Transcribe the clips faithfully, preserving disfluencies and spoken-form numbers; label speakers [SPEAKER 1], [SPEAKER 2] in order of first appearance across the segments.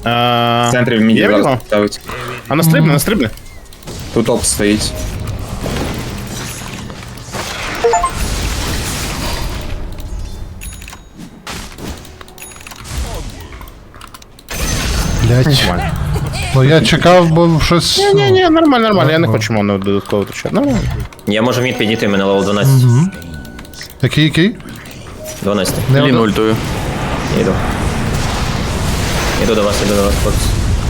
[SPEAKER 1] В
[SPEAKER 2] центрі в міді
[SPEAKER 1] є
[SPEAKER 2] зараз
[SPEAKER 1] його?
[SPEAKER 2] ставить.
[SPEAKER 1] А настрибне, настрибне.
[SPEAKER 2] Тут оп стоїть.
[SPEAKER 3] Блять. Ну я чекав, бо щось.
[SPEAKER 1] Ні, ні, нормально, нормально, я не хочу моно додатково втрачати. Нормально.
[SPEAKER 4] Я можу мід підійти, мене левел дванадцять.
[SPEAKER 3] Який, який?
[SPEAKER 4] дванадцять.
[SPEAKER 3] Не
[SPEAKER 5] Лін
[SPEAKER 3] один?
[SPEAKER 5] ультую.
[SPEAKER 4] Іду. Іду до вас, іду до вас, хлопці.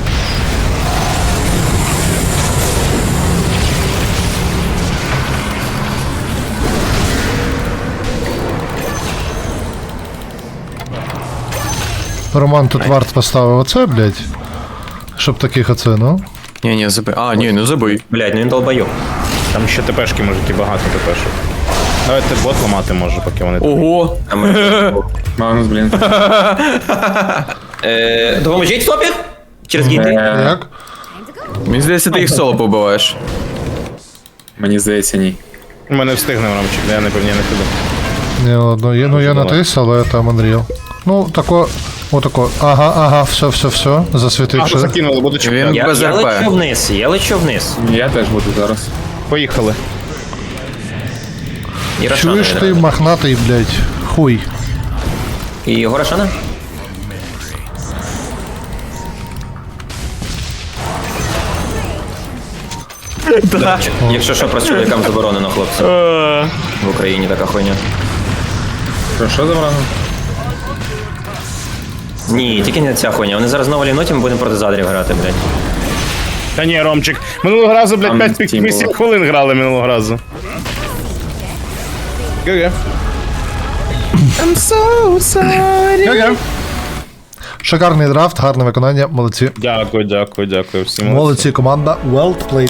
[SPEAKER 3] Роман тут варт поставив оце, блять. Щоб таких оце, ну.
[SPEAKER 5] Ні, ні, забий. А, ні, ну забий.
[SPEAKER 4] Блядь, ну він долбайок.
[SPEAKER 1] Там ще ТПшки можуть і багато ТПшок. Давайте бот ламати може, поки вони...
[SPEAKER 5] Ого!
[SPEAKER 4] А ми...
[SPEAKER 2] Магнус, блін.
[SPEAKER 4] Е, Допоможіть в топі? Через гейти?
[SPEAKER 2] Е,
[SPEAKER 3] Як?
[SPEAKER 5] Мені здається, ти їх соло побиваєш.
[SPEAKER 2] Мені здається, ні.
[SPEAKER 1] Ми не встигнемо, Ромчик, я не певні, не піду.
[SPEAKER 3] Ні, ладно, є, ну я натис, але там Unreal. Ну, тако, отако. Ага, ага, все, все, все.
[SPEAKER 1] А,
[SPEAKER 3] Засвітивши.
[SPEAKER 1] закинули, буду чекати.
[SPEAKER 5] Він
[SPEAKER 4] Я,
[SPEAKER 5] без
[SPEAKER 4] я
[SPEAKER 5] РП.
[SPEAKER 4] лечу вниз, я лечу вниз.
[SPEAKER 2] Я теж буду зараз.
[SPEAKER 1] Поїхали.
[SPEAKER 4] І Рошана.
[SPEAKER 3] Чуєш ти мохнатий, блять, хуй.
[SPEAKER 4] І його Рошана? Якщо що, про чоловікам заборонено, хлопці. В Україні така хуйня.
[SPEAKER 2] Про що забрано?
[SPEAKER 4] Ні, тільки не ця хуйня. Вони зараз знову лінуті, ми будемо проти задрів грати, блядь.
[SPEAKER 1] Та ні, Ромчик, минулого разу, блядь,
[SPEAKER 2] Там
[SPEAKER 1] п'ять
[SPEAKER 2] тім
[SPEAKER 1] вісім
[SPEAKER 2] було.
[SPEAKER 1] хвилин грали минулого разу. ГГ. I'm so sorry. ГГ.
[SPEAKER 3] Шикарний драфт, гарне виконання, молодці.
[SPEAKER 1] Дякую, дякую, дякую всім.
[SPEAKER 3] Молодці, команда. Well played.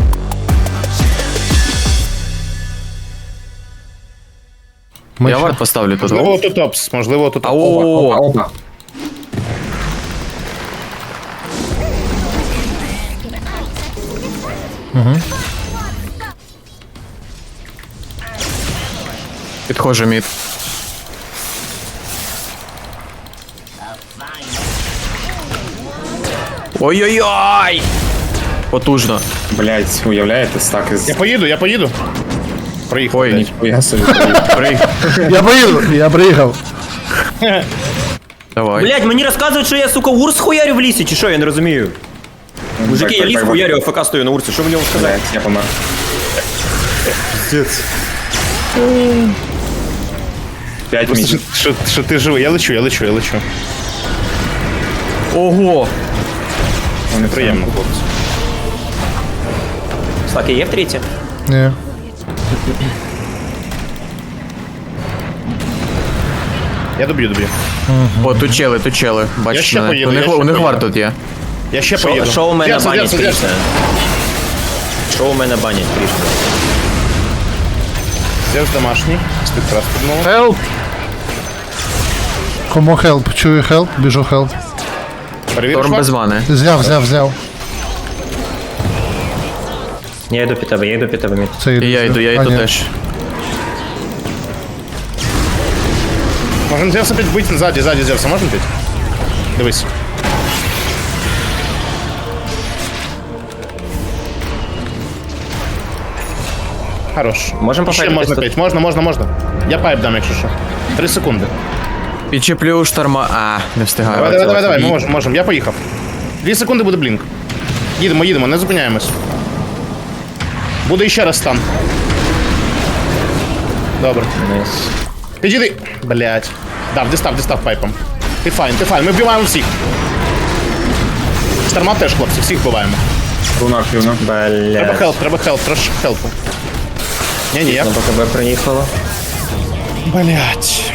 [SPEAKER 3] Ми
[SPEAKER 5] Я
[SPEAKER 3] ще-
[SPEAKER 5] варт поставлю тут.
[SPEAKER 1] Можливо, тут топс, можливо, тут топс.
[SPEAKER 5] Ау!
[SPEAKER 2] Опа.
[SPEAKER 5] Підходжу мід. Ой-ой-ой! Потужно.
[SPEAKER 2] Блять, уявляєте, стак із...
[SPEAKER 1] Я поїду, я поїду. Проїхав.
[SPEAKER 5] Ой,
[SPEAKER 1] блядь.
[SPEAKER 2] Я собі
[SPEAKER 5] При.
[SPEAKER 3] Я поїду, я приїхав.
[SPEAKER 5] Давай.
[SPEAKER 4] Блядь, мені розказують, що я, сука, урс хуярю в лісі, чи що, я не розумію. Мужики, я ліс хуярю, АФК стою на урсі, що в ньому сказати?
[SPEAKER 2] Блять, я помер. П'ять
[SPEAKER 1] Просто що,
[SPEAKER 2] місяців.
[SPEAKER 1] що, що ти живий, я лечу, я лечу, я лечу.
[SPEAKER 5] Ого!
[SPEAKER 1] Вони приємно, хлопці.
[SPEAKER 4] Слаки є в трійці?
[SPEAKER 3] Ні.
[SPEAKER 1] Я доб'ю, доб'ю.
[SPEAKER 5] О, тут чели, тут чели.
[SPEAKER 1] Я
[SPEAKER 5] Бачиш,
[SPEAKER 1] ще
[SPEAKER 5] мене.
[SPEAKER 1] поїду,
[SPEAKER 5] у
[SPEAKER 1] я
[SPEAKER 5] них,
[SPEAKER 1] ще
[SPEAKER 5] у них
[SPEAKER 1] поїду.
[SPEAKER 5] варт тут є.
[SPEAKER 1] Я ще
[SPEAKER 4] Що,
[SPEAKER 1] поїду.
[SPEAKER 4] що у мене
[SPEAKER 1] Дякую,
[SPEAKER 4] банять
[SPEAKER 1] дякую,
[SPEAKER 4] Крішна? Що у мене банять Крішна?
[SPEAKER 1] Зевс домашній. Спектра спіднула.
[SPEAKER 3] Help! Кому хелп? Чую хелп, біжу хелп.
[SPEAKER 1] Перевіриш
[SPEAKER 5] Торм
[SPEAKER 1] вас?
[SPEAKER 5] без мани.
[SPEAKER 3] Зняв, зняв, зняв.
[SPEAKER 4] Я йду під тебе, я йду під тебе, мід.
[SPEAKER 3] Це
[SPEAKER 5] І я йду, я
[SPEAKER 3] А,
[SPEAKER 5] йду
[SPEAKER 3] ні.
[SPEAKER 5] теж.
[SPEAKER 1] Можем Зевса пить бить ззаді, ззаді Зевса, можем пить? Дивись. Хорош.
[SPEAKER 4] Можем
[SPEAKER 1] Ще
[SPEAKER 4] пофайтитись
[SPEAKER 1] можна
[SPEAKER 4] тут?
[SPEAKER 1] пить, можна, можна, можна. Я пайп дам, якщо що. Три секунди.
[SPEAKER 5] Підчеплю шторма. А, не встигаю.
[SPEAKER 1] Давай, давай, давай, давай, ми
[SPEAKER 5] І-
[SPEAKER 1] можемо, можемо. Я поїхав. Дві секунди буде блінк. Їдемо, їдемо, не зупиняємось. Буде ще раз стан. Добре.
[SPEAKER 4] Найс.
[SPEAKER 1] Підійди. Блять. Дав, дістав, дістав пайпом. Ти файн, ти файн. Ми вбиваємо всіх. Шторма теж, хлопці, всіх вбиваємо.
[SPEAKER 2] Руна активно.
[SPEAKER 1] Треба
[SPEAKER 4] Блядь.
[SPEAKER 1] хелп, треба хелп, трошки хелпу. Ні, ні, я.
[SPEAKER 4] На БКБ приїхало.
[SPEAKER 1] Блять.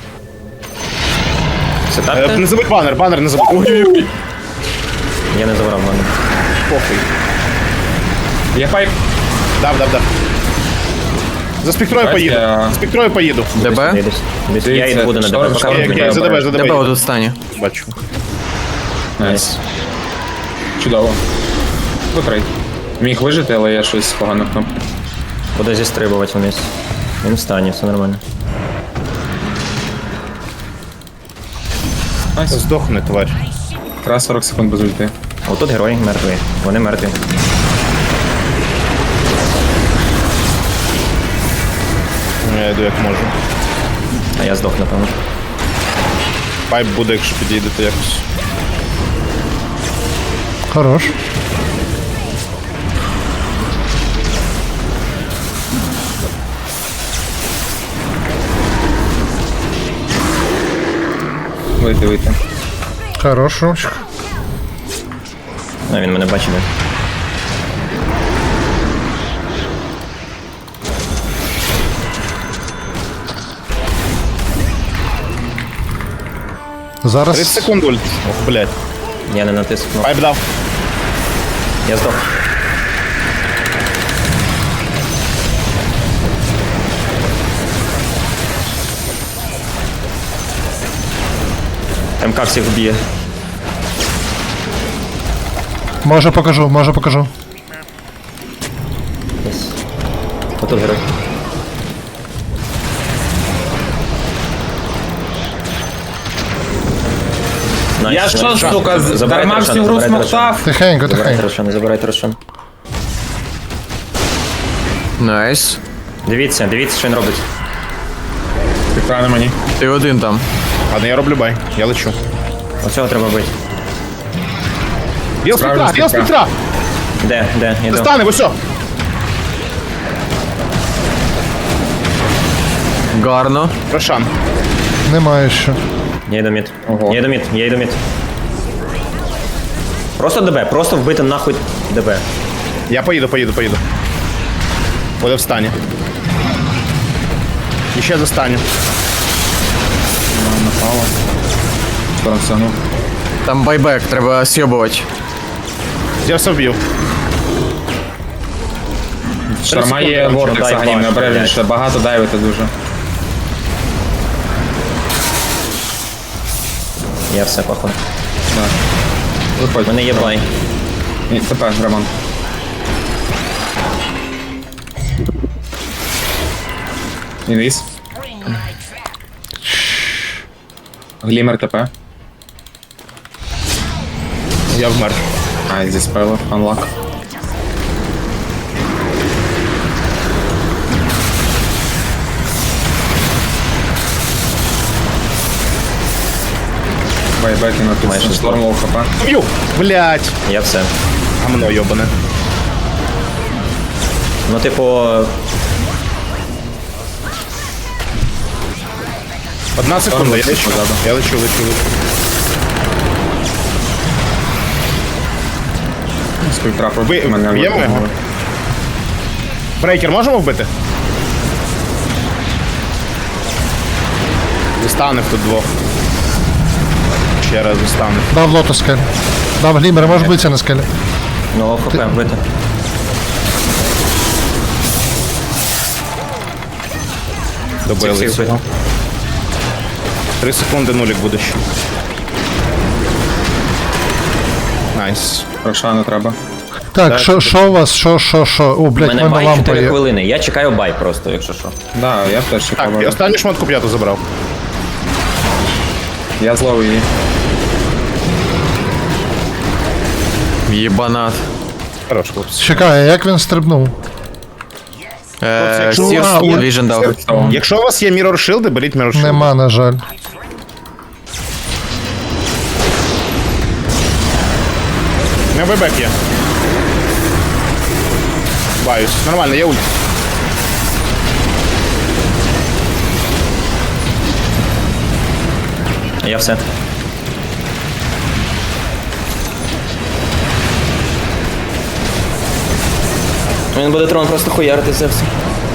[SPEAKER 4] Все
[SPEAKER 1] Е,
[SPEAKER 4] так?
[SPEAKER 1] Не забудь банер, банер не забудь.
[SPEAKER 4] Я не забрав мене.
[SPEAKER 1] Похуй.
[SPEAKER 2] Я пайп.
[SPEAKER 1] Дав, дав, дав. За спектрою
[SPEAKER 2] Давайте
[SPEAKER 1] поїду.
[SPEAKER 2] я-
[SPEAKER 1] За спектрою поїду.
[SPEAKER 5] ДБ?
[SPEAKER 4] Десь, десь. Я
[SPEAKER 2] Дивіться,
[SPEAKER 4] і буду на
[SPEAKER 2] що
[SPEAKER 4] ДБ.
[SPEAKER 2] ж,
[SPEAKER 4] поки
[SPEAKER 2] що
[SPEAKER 1] Окей,
[SPEAKER 4] ви
[SPEAKER 1] окей,
[SPEAKER 4] мене
[SPEAKER 1] за ДБ, за ДБ.
[SPEAKER 5] ДБ
[SPEAKER 1] їду.
[SPEAKER 5] отут стані.
[SPEAKER 1] Бачу.
[SPEAKER 2] Найс. Чудово. Викрий. Міг вижити, але я щось погано кнопку.
[SPEAKER 4] Буду зістрибувати вниз. Він встане, все нормально.
[SPEAKER 2] Найс.
[SPEAKER 1] Здохни, тварь.
[SPEAKER 2] Якраз сорок секунд без ульти.
[SPEAKER 4] Отут герої мертві. Вони мертві.
[SPEAKER 1] Ну, я йду як можу.
[SPEAKER 4] А я здох, напевно.
[SPEAKER 1] Пайп буде, якщо підійдете якось.
[SPEAKER 3] Хорош.
[SPEAKER 2] Вийти, вийти.
[SPEAKER 3] Хорош, Ромчик.
[SPEAKER 4] А, він мене бачить. де.
[SPEAKER 3] Зараз.
[SPEAKER 1] тридцять секунд ульт. Ох, блядь.
[SPEAKER 4] Я не натиск кнопку.
[SPEAKER 1] Пайп дав.
[SPEAKER 4] Я здох. МК всіх вб'є.
[SPEAKER 3] Може покажу, може покажу.
[SPEAKER 4] Десь. Отут герой. Найс,
[SPEAKER 2] Я що,
[SPEAKER 4] найс.
[SPEAKER 2] сука, з-
[SPEAKER 4] Забирайте
[SPEAKER 2] дарма
[SPEAKER 4] Рошана,
[SPEAKER 2] всю гру
[SPEAKER 4] забирайте Рошана.
[SPEAKER 2] смоктав?
[SPEAKER 3] Тихенько,
[SPEAKER 4] Забирайте
[SPEAKER 3] тихенько.
[SPEAKER 4] Рошана, забирайте Рошана.
[SPEAKER 5] Найс.
[SPEAKER 4] Дивіться, дивіться, що він робить.
[SPEAKER 2] Екрани мені.
[SPEAKER 5] Ти один там.
[SPEAKER 1] Ладно, я роблю бай. Я лечу.
[SPEAKER 4] Оцього треба бити.
[SPEAKER 1] Біл з
[SPEAKER 2] Справжня
[SPEAKER 1] Петра, біл з
[SPEAKER 2] стрілька.
[SPEAKER 1] Петра!
[SPEAKER 4] Де, де, іду.
[SPEAKER 1] Стане, ось все.
[SPEAKER 5] Гарно.
[SPEAKER 1] Рошан.
[SPEAKER 3] Немає ще.
[SPEAKER 4] Я йду мід.
[SPEAKER 2] Ого.
[SPEAKER 4] Я йду мід, я йду мід. Просто ДБ, просто вбити нахуй ДБ.
[SPEAKER 1] Я поїду, поїду, поїду. Буде в стані. І ще застаню.
[SPEAKER 2] Напало. Скоро все, ну.
[SPEAKER 5] Там байбек, треба с'єбувати.
[SPEAKER 1] Я все вб'ю.
[SPEAKER 2] Шарма є
[SPEAKER 4] секунди,
[SPEAKER 2] вортекс
[SPEAKER 4] дай
[SPEAKER 2] аганім,
[SPEAKER 4] баш,
[SPEAKER 2] обережніше,
[SPEAKER 4] блядь.
[SPEAKER 2] багато дайвити дуже.
[SPEAKER 4] Я все, походу.
[SPEAKER 2] Так. Виходь.
[SPEAKER 4] У мене є бай.
[SPEAKER 2] Ні, тепер, Роман. Інвіз. Глімер ТП.
[SPEAKER 1] Я вмер.
[SPEAKER 2] Ай, зі спелу. Unlock. Байбеки на тут.
[SPEAKER 4] Майже
[SPEAKER 2] Шторм лоу хп.
[SPEAKER 1] Б'ю! Блять!
[SPEAKER 4] Я все.
[SPEAKER 1] Гамно йобане.
[SPEAKER 4] Ну, типу,
[SPEAKER 1] Одна секунда, я
[SPEAKER 2] Торм
[SPEAKER 1] лечу.
[SPEAKER 2] позаду.
[SPEAKER 1] Я лечу, лечу, лечу.
[SPEAKER 2] Спектра
[SPEAKER 1] Ви-
[SPEAKER 2] проти мене.
[SPEAKER 1] б'ємо його?
[SPEAKER 2] витягнули.
[SPEAKER 1] Брейкер можемо вбити? Застанив тут двох. Ще раз застанив.
[SPEAKER 3] Дав лоту скель. Дав глімер, може битися на скелі.
[SPEAKER 4] ну ОФП вбити.
[SPEAKER 1] Добили
[SPEAKER 4] Всіх
[SPEAKER 1] цього.
[SPEAKER 4] вбити.
[SPEAKER 1] Три секунди нулік буде ще. Найс.
[SPEAKER 2] Рошану треба.
[SPEAKER 3] Так, що що у вас? Що, що, що? О,
[SPEAKER 4] У
[SPEAKER 3] блядь, в
[SPEAKER 4] мене
[SPEAKER 3] мене
[SPEAKER 4] бай
[SPEAKER 3] лампа
[SPEAKER 4] чотири
[SPEAKER 3] є.
[SPEAKER 4] хвилини. Я чекаю бай просто, якщо що.
[SPEAKER 2] Да, я б теж
[SPEAKER 1] Так,
[SPEAKER 2] чекав.
[SPEAKER 1] і останню шмотку п'яту забрав.
[SPEAKER 2] Я зловив її.
[SPEAKER 5] Єбанат.
[SPEAKER 1] Хорош, хлопці.
[SPEAKER 3] Чекай, як він стрибнув?
[SPEAKER 5] Е,
[SPEAKER 1] якщо-
[SPEAKER 5] Сірс
[SPEAKER 3] А, ульт.
[SPEAKER 5] Vision дав.
[SPEAKER 2] Все.
[SPEAKER 1] Якщо у вас є Mirror Shield, беріть Mirror Shield.
[SPEAKER 3] Нема, на жаль.
[SPEAKER 1] У мене бейбек є. Баюсь. Нормально, є ульт.
[SPEAKER 4] Я все. Він буде трон просто хуярити це все.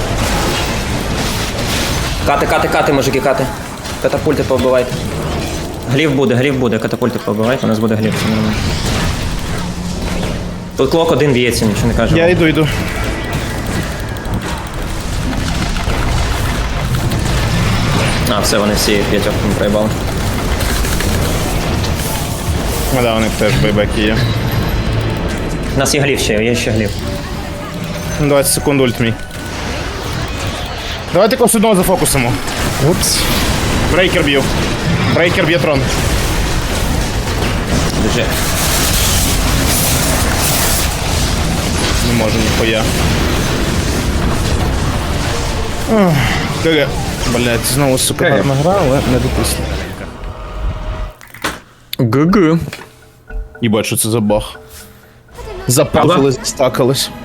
[SPEAKER 4] Кати, кати, кати, мужики, кати. Катапульти побивайте. Глів буде, глів буде, катапульти побивайте, у нас буде глів, все нормально. Тут клок один б'ється, нічого не каже.
[SPEAKER 1] Я йду, йду.
[SPEAKER 4] А, все, вони всі п'ятьох не проїбали.
[SPEAKER 1] А, да, у них теж бейбеки є.
[SPEAKER 4] У нас є глів ще, є ще глів.
[SPEAKER 1] двадцять секунд ульт мій. Давайте когось одного зафокусимо.
[SPEAKER 3] Упс.
[SPEAKER 1] Брейкер б'ю. Брейкер б'є трон.
[SPEAKER 4] Біжи.
[SPEAKER 1] Не можу ніхуя. Ох, ГГ. Блять, знову, сука,
[SPEAKER 2] ГГ.
[SPEAKER 1] гарна гра, але не допустимо.
[SPEAKER 5] ГГ.
[SPEAKER 1] Їбать, що це за баг. Запахались, стакались.